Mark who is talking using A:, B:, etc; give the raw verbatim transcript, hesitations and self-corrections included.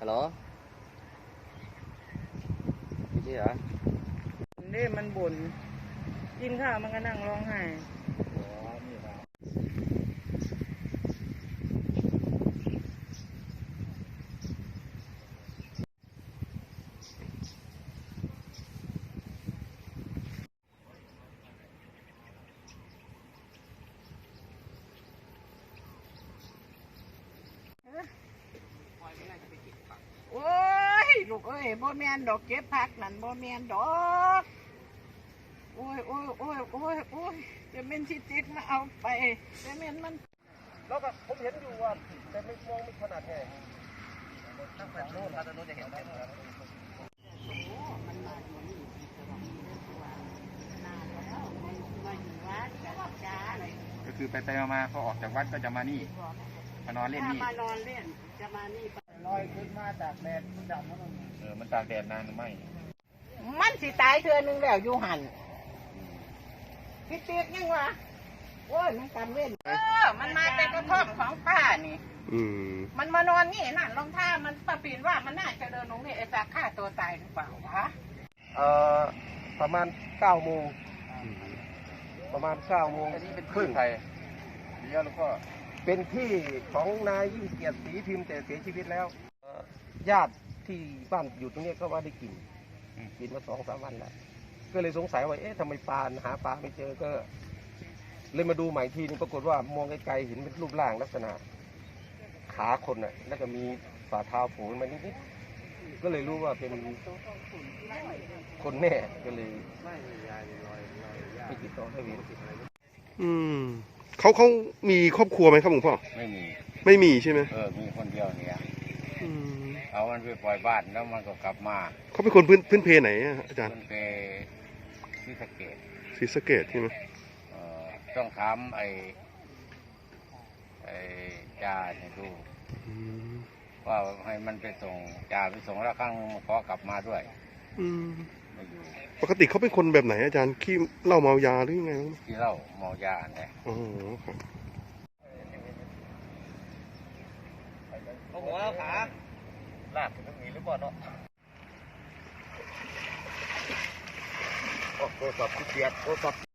A: ฮัลโหลไม่ใช่เหรอ
B: นี่มันบ่นกินข้าวมันก็นั่งร้องไห้โอ้ยลูกเอ้ยบ่แม่นดอกเก็บผักนั่นบ่แม่นดอกโอ้ยโอ้ยโอ้ยโอ้ยโอ้ยจะเป็นชิจิกมาเอาไปจะเป็นมัน
A: แล้วก็ผมเห็นอยู่ว่าแต่ไม่มองไม่ขนาดแค่ตั้งแต่โน้นตั้งแต่โน้นจะเห็นได้เลย
B: มันมาอยู่นี่ตลอดเลยตัวนานแล้วมาอยู่วัดกับจ้าอะไร
C: ก็คือไปไปมาพอออกจากวัดก็จะมานี่มานอนเล่นนี่
B: มานอนเล่นจะมานี่ลอยขึ้นมาจากแดดมันดำมัน
C: เออมันตากแดดนานหรือไม่
B: มันสิตายเธอหนึ่งแล้วอยู่หันพี่เตี้ยยังวะโอ้ยมันกำเว้นเออมันมาแต่กระท่อมของป้านี่มันมานอนนี่นั่นรองเท้ามันประปีนว่ามันน่าจะเดินลงนี่ไอ้ตาฆ่าตัวตายหรือเปล่าวะ
A: เอ่อประมาณเก้าโมงประมาณเก้าโมง
C: อันนี้เป็นครึ่งไทยเลี้ยงแล้วก็
A: เป็นที่ของนายยิ่งเกียรติศรีพิมพ์แต่เสียชีวิตแล้วญาติที่บ้านอยู่ตรงนี้ก็ว่าได้กลิ่นกลิ่นมาสองสามวันแล้วก็เลยสงสัยว่าเอ๊ะทำไมปลาหาปลาไม่เจอก็เลยมาดูใหม่ทีนึงปรากฏว่ามองไกลๆเห็นเป็นรูปร่างลักษณะขาคนน่ะแล้วก็มีฝ่าเท้าโผล่มานิดๆก็เลยรู้ว่าเป็นคนแน่ก็เลยไม่ติดต่อได้เวร
D: อืมเขาเขามีครอบครัวไหมครับหลวงพ่อ
C: ไม่มี
D: ไม่มีใช่ไหม
C: เออมีคนเดียวเนี่ยเอามันไปปล่อยบ้านแล้วมันก็กลับมา
D: เขาเป็นคนพื้นพื้นเพไหนอาจารย์
C: พื้นเพศรีสะเกษ
D: ศรีสะเกษใช่ไหม
C: เออต้องถามไอ้ไอ้จ่าให้ดูว่าให้มันไปส่งจ่าไปส่งแล้วครั้งขอกลับมาด้วยไม่อยู่
D: ปกติเขาเป็นคนแบบไหนอาจารย์ขี้เหล้าเมายาหรือยังไง
C: ขี้เหล้าเมายาเนี่ย
D: อ๋อครับ
A: โอ้โหขาลากถึงตรงนี้หรือเปล่าเนาะโอ้โหสับที่เกียดโอ้สับ